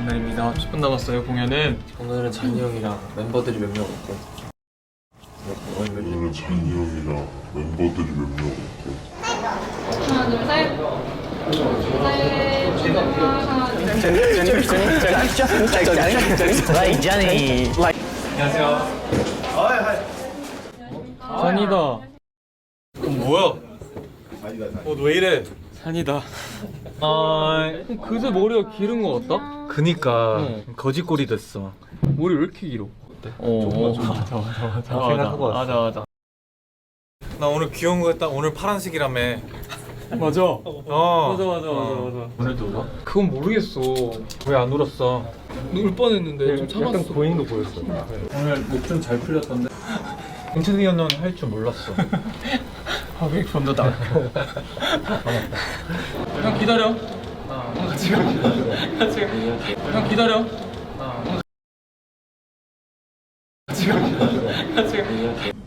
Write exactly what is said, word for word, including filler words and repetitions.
날입니다. 십 분 남았어요 공연은. 오늘은 잔이 형이랑 멤버들이 몇 명 없고 오늘은 잔이 형이랑 멤버들이 몇 명 없고 하나 둘 셋. Like Johnny. 산이다. 어, 뭐야? 어, 왜 이래? 산이다. 아, 그새 머리가 기른 거 같다? 그니까 응. 거짓골이 됐어. 머리 왜 이렇게 길어? 어때? 어, 맞아, 맞아, 맞아. 생각하고 왔어. 맞아, 맞아. 나 오늘 귀여운 거 했다. 오늘 파란색이라며. 맞아. 어. 맞아, 맞아, 맞아, 맞아. 오늘도 울어? 그건 모르겠어. 왜 안 울었어? 울 뻔했는데 좀 참았어. 약간 고인 거 보였어. 오늘 목 좀 잘 풀렸던데. 인천이 형은 할 줄 몰랐어. 아, 왜 좀더 나? 형 기다려. 아, 같이 가. 같이 가. 형 기다려. 아, 같이 가. 같이 가.